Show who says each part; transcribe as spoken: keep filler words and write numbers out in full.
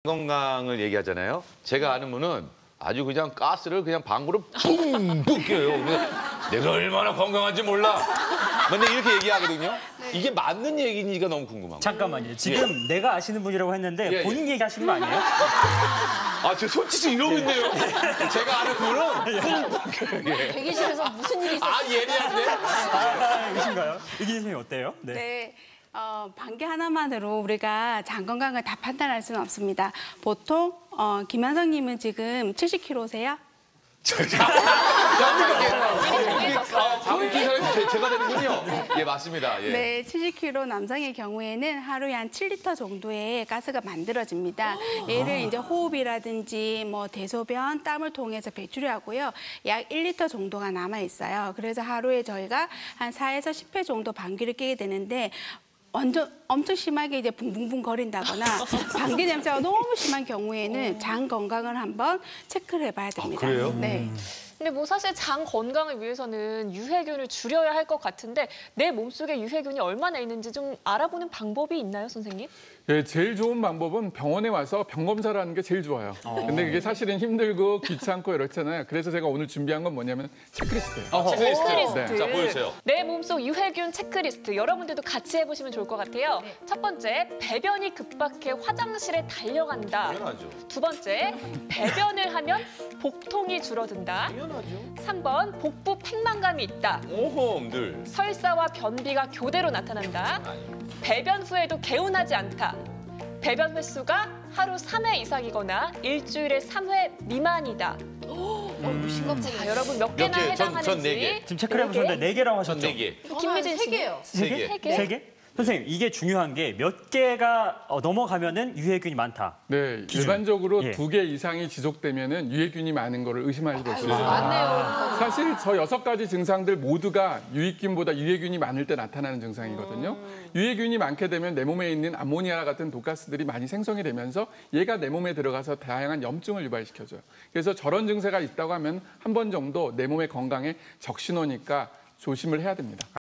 Speaker 1: 건강을 얘기하잖아요. 제가 아는 분은 아주 그냥 가스를 그냥 방구로 뿡뿡 껴요. 내가 얼마나 건강한지 몰라. 맨날 이렇게 얘기하거든요. 네. 이게 맞는 얘기인지가 너무 궁금합니다.
Speaker 2: 잠깐만요. 지금 예. 내가 아시는 분이라고 했는데
Speaker 1: 예,
Speaker 2: 본인
Speaker 1: 예.
Speaker 2: 얘기하시는 거 아니에요?
Speaker 1: 아, 저 손짓을 이러고 있네요. 제가 아는 분은
Speaker 3: 예. 대기실에서 무슨 일이 있었어요?
Speaker 1: 아, 예리한데?
Speaker 2: 아, 이신가요? 이기 선생님 어때요?
Speaker 4: 네. 네. 어, 방귀 하나만으로 우리가 장 건강을 다 판단할 수는 없습니다. 보통 어, 김한성님은 지금 칠십 킬로그램세요?
Speaker 1: 방귀 기사는 제가 되는군요. 예, 맞습니다. 예.
Speaker 4: 네, 칠십 킬로그램 남성의 경우에는 하루에 한 칠 리터 정도의 가스가 만들어집니다. 얘를 이제 호흡이라든지 뭐 대소변, 땀을 통해서 배출을 하고요. 약 일 리터 정도가 남아 있어요. 그래서 하루에 저희가 한 사에서 십 회 정도 방귀를 뀌게 되는데 완전 엄청 심하게 이제 붕붕붕 거린다거나 방귀 냄새가 너무 심한 경우에는 장 건강을 한번 체크를 해봐야 됩니다.
Speaker 1: 아, 그래요?
Speaker 4: 네.
Speaker 3: 근데 뭐 사실 장 건강을 위해서는 유해균을 줄여야 할 것 같은데 내 몸속에 유해균이 얼마나 있는지 좀 알아보는 방법이 있나요, 선생님?
Speaker 5: 예, 제일 좋은 방법은 병원에 와서 병 검사를 하는 게 제일 좋아요.
Speaker 2: 어.
Speaker 5: 근데 그게 사실은 힘들고 귀찮고 이렇잖아요. 그래서 제가 오늘 준비한 건 뭐냐면 체크리스트예요.
Speaker 1: 아, 체크리스트.
Speaker 3: 체크리스트.
Speaker 1: 자, 보여주세요.
Speaker 3: 내 몸속 유해균 체크리스트. 여러분들도 같이 해보시면 좋을 것 같아요.
Speaker 4: 네.
Speaker 3: 첫 번째, 배변이 급박해 화장실에 달려간다.
Speaker 1: 당연하죠.
Speaker 3: 두 번째, 배변을 하면 복통이 줄어든다.
Speaker 1: 당연하죠.
Speaker 3: 삼 번, 복부 팽만감이 있다.
Speaker 1: 오홈들.
Speaker 3: 설사와 변비가 교대로 나타난다. 배변 후에도 개운하지 않다. 배변 횟수가 하루 삼 회 이상이거나 일주일에 삼 회 미만이다.
Speaker 4: 어, 심각하네.
Speaker 3: 자, 여러분 몇 개나
Speaker 1: 몇 개? 전-
Speaker 3: 해당하는지.
Speaker 1: 전 네 개.
Speaker 2: 지금 체크를 해보셨는데 네 개라고
Speaker 1: 전
Speaker 2: 하셨죠?
Speaker 1: 네 개.
Speaker 3: 김미진
Speaker 4: 세
Speaker 3: 씨.
Speaker 4: 개요.
Speaker 1: 세 개.
Speaker 3: 세 개?
Speaker 2: 세 개? 선생님, 이게 중요한 게 몇 개가 어, 넘어가면은 유해균이 많다.
Speaker 5: 네,
Speaker 2: 기준.
Speaker 5: 일반적으로
Speaker 2: 예.
Speaker 5: 두 개 이상이 지속되면은 유해균이 많은 거를 의심하실 수 있어요.
Speaker 4: 맞네요.
Speaker 5: 사실 저 여섯 가지 증상들 모두가 유익균보다 유해균이 많을 때 나타나는 증상이거든요. 유해균이 많게 되면 내 몸에 있는 암모니아 같은 독가스들이 많이 생성이 되면서 얘가 내 몸에 들어가서 다양한 염증을 유발시켜줘요. 그래서 저런 증세가 있다고 하면 한 번 정도 내 몸의 건강에 적신호니까 조심을 해야 됩니다.